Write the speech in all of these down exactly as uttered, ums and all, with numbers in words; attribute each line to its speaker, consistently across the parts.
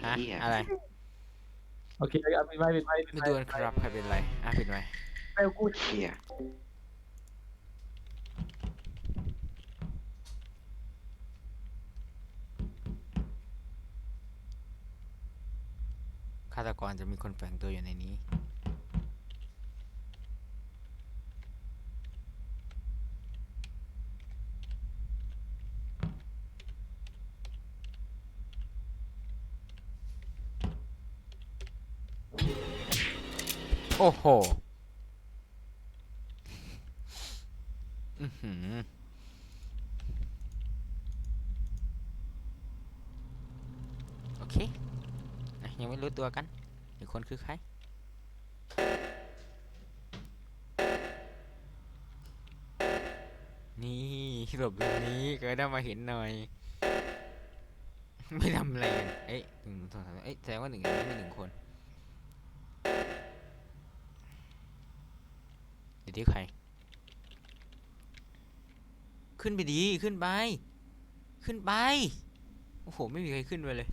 Speaker 1: ฮะ
Speaker 2: เหี้ย
Speaker 1: อะไร
Speaker 3: โอเคเอาปิดไว้ปิดไว้ปิด
Speaker 1: ไม่
Speaker 3: ไว้
Speaker 1: ดูกันครับใครเป็นไรอ่ะปิดไว้
Speaker 3: ไปกู
Speaker 2: เหี้ย
Speaker 1: ฆาตกรจะมีคนแฝงตัวอยู่ในนี้โอ้โหอือหือโอเคอ่ะยังไม่รู้ตัวกันอีกคนคือใครนี่หลบตรงนี้ก็ได้มาเห็นหน่อยไม่ทำอะไรกันเอ้ยหนึ่งสองสามเอ้ยแสดงว่าหนึ่งในนี้มีหนึ่งคนอยู่ที่ใครขึ้นไปดีขึ้นไปขึ้นไปโอ้โหไม่มีใครขึ้นไปเลย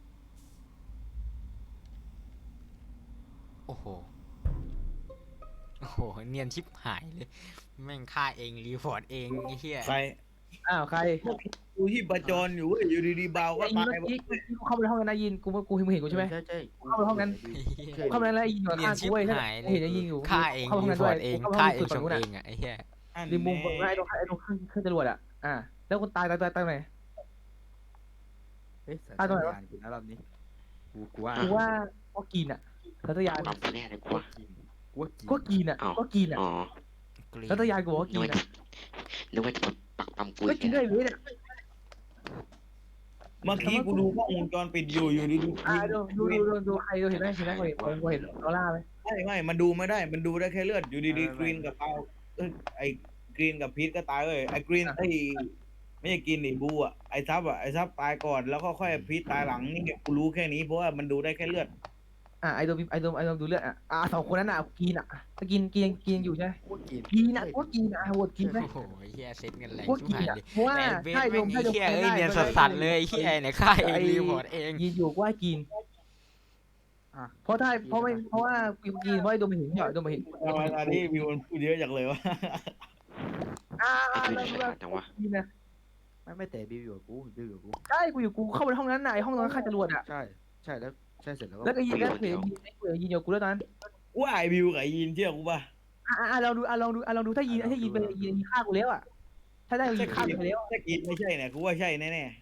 Speaker 1: โอ้โหโอ้โหเนียนชิบหายเลยแม่งฆ่าเองรีพอร์ตเองไอ้เหี้ย
Speaker 4: ใคร
Speaker 3: อ้าวใคร
Speaker 4: กูที่ประจรอยู่เว้ยอยู่ดีๆเบาก็
Speaker 3: ไอ้ยิน
Speaker 4: ตาย
Speaker 3: เมื่อกี้กูเข้าไปในห้องนั้นนะยินกูกูมึงเห็นกูใช่ไหม
Speaker 5: ใช่ใช่
Speaker 3: เข้าไปห้องนั้น กูเข้าไปนั้นแล้วไอ้ยินอยู่
Speaker 1: เนีย
Speaker 3: ข้าน ง
Speaker 1: ชิ
Speaker 3: กู
Speaker 1: บ
Speaker 3: เว้ย
Speaker 1: หายเล
Speaker 3: เห็น
Speaker 1: ย
Speaker 3: ไอ้ยินอยู่
Speaker 1: ฆ่าเอง
Speaker 3: เข้าห้อง
Speaker 1: รี
Speaker 3: นั้น
Speaker 1: พ
Speaker 3: ด้
Speaker 1: อ
Speaker 3: วย
Speaker 1: ร์ตเอง
Speaker 3: เข้าห้
Speaker 1: ฆ่า
Speaker 3: อง
Speaker 1: เอง
Speaker 3: สุด
Speaker 1: ช
Speaker 3: ฝั่ง
Speaker 1: ง
Speaker 3: นู้น
Speaker 1: เอ
Speaker 3: อ่ะ
Speaker 1: งอ่ะไอ้เหี้ย
Speaker 3: ริมมุมฝั่งไอ้ตรงไอ้ตรงเครื่องเครื่องจรวดอ่ะอ่าแล้วคนตายตายตายตายไหน
Speaker 5: เอ๊ะสัญ
Speaker 3: อ่ะตรงไหน
Speaker 5: ญาว
Speaker 3: ะ
Speaker 5: ณกูนะรอบนี้กูกูว่า
Speaker 3: กูว่าก็กินอ่ะทัตยาน
Speaker 2: ปั๊มไปแน่เลยกูว่า
Speaker 5: กูว่ากิน
Speaker 3: ก็กินอ่ะก็กินอ่ะ
Speaker 2: อ๋อ
Speaker 1: กรี๊ด
Speaker 3: ทัตยานกูบอกว่า
Speaker 2: นึ
Speaker 3: กิ
Speaker 2: ก
Speaker 3: น
Speaker 2: ว่า
Speaker 3: อ่ะ
Speaker 2: จะนึกว่าจะปักปั๊มกู
Speaker 3: ก็
Speaker 2: อีก
Speaker 3: กินได้เลยเนี่ย
Speaker 4: เมื่อกี้กูดูกล้องวงจรปิดอยู่อยู่ดีๆ
Speaker 3: อ่าดูดูดูดูดูใครดูเห็นไหมเห็นไหมกูเห็นกูเห็นออร่าไหม
Speaker 4: ไม่ไม่มันดูไม่ได้มันดูได้แค่เลือดอยู่ดีๆกรีนกับเปาเอ้ยไอ้กรีนกับพีทก็ตายเลยไอ้กรีนไอ้ไม่ใช่กรีนดิบูอ่ะไอ้ซับอ่ะไอ้ซับตายก่อนแล้วก็ค่อยพีทตายหลังนี่กูรู้แค่นี้เพราะว่ามันดูได้แค่เลือด
Speaker 3: อ่าไอโดมไอโดมไอโดมดูเลือดอ่ะอ่าสองคนนั้นอ่ะกินอ่ะถ้ากินกินกินอยู่ใช่ไหม
Speaker 5: กูว่ากิน
Speaker 3: กินอ่ะก็กินอ่ะโหวตกินไหม
Speaker 1: โอ้โหไอ้เหี้ยเซ็ตกันแรง
Speaker 3: ก็
Speaker 1: ชิบ
Speaker 3: กิน
Speaker 1: หาย
Speaker 3: อ่ะ
Speaker 1: เลย
Speaker 3: เพราะว่า
Speaker 1: แต่เบส
Speaker 3: ใช่โด
Speaker 1: แม่
Speaker 3: ม
Speaker 1: ง
Speaker 3: ใช่
Speaker 1: ไอ้
Speaker 3: โดม
Speaker 1: เหี้ยเอ้ยเนียนสัสๆเลยไอ้เหี้ยเนี่ยฆ่าเองรีพอร์ตเอง
Speaker 3: ยินอยู่ว่ากิน
Speaker 5: อ่ะ
Speaker 3: เพราะถ้าเพราะไม่เพราะว่ากินเพราะไอโดมไม่เห็นเหรอโดมไม่เห็น
Speaker 4: ทำไมตอนนี้วิวมันพูดเยอะจังเลยวะ
Speaker 3: อ่า
Speaker 2: ไอ้
Speaker 3: แล้
Speaker 2: ดู
Speaker 3: ว
Speaker 2: ฉลาดจังวะ
Speaker 3: กินนะ
Speaker 5: ไม่ไม่แต่บิวอยู่กับกูบิวอยู่กับกู
Speaker 3: ใช่กูอยู่กูเข้าไปในห้องนั้นน่ะไอห้องนั้นฆ่าจรวดอ่ะ
Speaker 5: ใช่ใช่แล้วใช่เสร็จแล้วก็
Speaker 3: แล้วก็ยินแล้วเห็นยินไอยินอยู่กูแล้วตอนนั้น
Speaker 4: ว่าไอ้วิวกับไอ้ยีนเชื่อกูป่ะ
Speaker 3: อ่าอ่าลองดูอ่าลองดูอ่าลองดูถ้ายินถ้ายินเป็นยินยินฆ่ากูแล้วอ่ะถ้าได้ยินฆ่ากูไปแล้ว
Speaker 4: ถ้ากินไม่ใช่เนี่ยกูว่าใช่แน่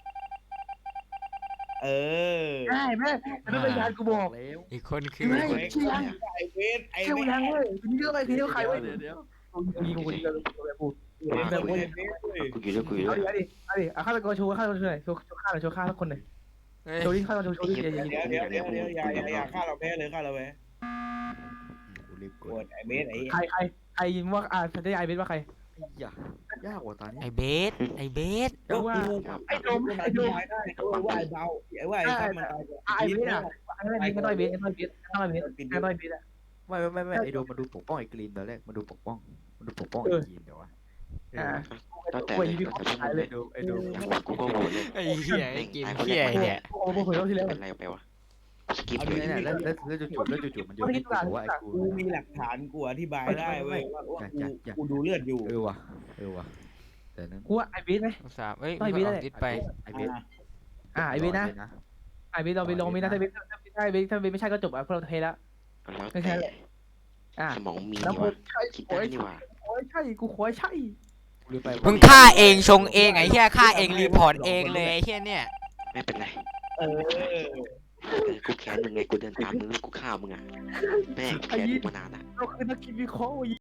Speaker 4: ๆเออ
Speaker 3: ใช่แม่แต่ไม่เป็นยานกูบอก
Speaker 5: แล้ว
Speaker 1: อีกคนคือ
Speaker 3: ไม่
Speaker 4: ไอ้ไอ้เวสไอ้
Speaker 3: เชื่อ
Speaker 4: เว
Speaker 3: กู
Speaker 4: ส
Speaker 3: ยังเว้ยทีนี้เรื่องอะไรทีนี้เรื่องใครเว้ย
Speaker 5: เดี๋ยวเดี๋ยว
Speaker 3: กูยิงกูยิงกูยิงกูยิง
Speaker 4: ไอ้
Speaker 3: กูยิง
Speaker 4: เวสเว้ย
Speaker 2: กูอยู่ด้วยกูอยู่
Speaker 3: เอา
Speaker 2: ด้วย
Speaker 3: ดิเอาดิเอาดิอ่ะฆาตกรโชว์ฆาตกรโชว์หน่อยโชว์โชว์ฆ่าหน่อยโชว์ฆ่าสักคนหน่อย
Speaker 1: เฮ้ย
Speaker 3: โชว์ดิฆาตกรโชว์โชว์ดิอย่าอย่า
Speaker 4: เดี๋ยวเดี๋ยวเดี๋ยวเดี๋ยวอย่าอย่าอย่าฆ่าเราแพ้เลยฆ่าเราแพ้
Speaker 5: กูรีบก
Speaker 4: ก
Speaker 5: ด
Speaker 4: ดไอ้เบสไอ้
Speaker 3: ใครใครใครยิงว่าอ่าฉันได้ไอเบสว่าใคร
Speaker 5: ไอ้ยายากกว่าตอนนี้
Speaker 1: ไอ้เบสไอ้เบส
Speaker 4: ก็
Speaker 3: ว่า
Speaker 4: กู
Speaker 3: ไอ้โดมไอ้โดม
Speaker 4: ได้เออว่าไอ้เบาไอ้ว่าไอ้ซับมันตายก่อน
Speaker 3: ไอเบสอ่ะไอเบสไม่ต้องไอเบสไม่ต้องไอเบสไม่ต้องไอเบสไม่ต้องไอเบสอ่ะ
Speaker 5: ไม่ไม่ไม่ไม่ไอ้โดมมาดูปกป้องไอ้กรีนตอนแรกมาดูปกป้องมาดูปกป้อง
Speaker 3: เอ
Speaker 5: ไอ้
Speaker 3: อ
Speaker 5: กรีนเดี๋ยววะ
Speaker 3: อ่า
Speaker 2: ตั้งแต่
Speaker 3: กู
Speaker 2: เลย
Speaker 3: ยิง
Speaker 2: ตั้ง
Speaker 3: เขา
Speaker 2: แต่
Speaker 3: ตายเล
Speaker 5: ไอ้
Speaker 3: ย
Speaker 5: โดมไอ้โดม
Speaker 2: กูก็โหวตเลย
Speaker 1: ไอ้เหี้ยไอ้เกมเหี้ยเนี่ย
Speaker 3: โอ้โหเผยรอบที่แล้ว
Speaker 2: เป็นไรไปวะสกิป
Speaker 4: เอา
Speaker 2: เล
Speaker 4: ดิ
Speaker 2: ย
Speaker 5: เนี่ยแล้วแล้วแล้วจู่ๆแล้วจู่ๆมันโยนให้กูบอกว่าไอ้กู
Speaker 4: กูมีหลักฐานกูอธิบายได้เว้ยว่าว่ากู
Speaker 5: อยากอยาก
Speaker 4: กูดูเลือดอยู่
Speaker 5: เออว่ะเออว่ะแต่นั้น
Speaker 3: กูว่าไอเบสไหม
Speaker 1: สามเอ้ย
Speaker 3: ต้องไอ้
Speaker 1: มี
Speaker 3: เบ
Speaker 1: ค
Speaker 3: ส
Speaker 1: น
Speaker 3: แหละ
Speaker 1: ออกดิสไป
Speaker 5: ไอ้เบส
Speaker 3: อ่าไอเบสนะไอเบสเราไปลองมีนะถ้าเบสถ้าเบสถ้าเบสไม่ใช่ก็จบอ่ะพวกเราเทแล้ว
Speaker 2: แล้วแต่
Speaker 3: อ่า
Speaker 2: สมองมี
Speaker 3: แล้ว
Speaker 2: นี่
Speaker 3: กู
Speaker 2: วะ
Speaker 3: ใช่
Speaker 2: คิด
Speaker 3: โอ้
Speaker 2: ได้
Speaker 3: ย
Speaker 2: นี่วะ
Speaker 3: โอ้ยใช่กูขอใช่
Speaker 5: กูลืมไป
Speaker 1: มึงฆ่าเองชงเองไอ้เหี้ยฆ่าเองรีพอร์ตเองเลยไอ้เหี้ยเนี่ย
Speaker 2: ไม่เป็นไร
Speaker 4: เออ
Speaker 2: เออกูแค้นมึงไงกูเดินตามมึงแล้วกูฆ่ามึงอ่ะแม่งแค้นมึงมานานอ่ะ
Speaker 3: เราคือนักกินวิเคราะห์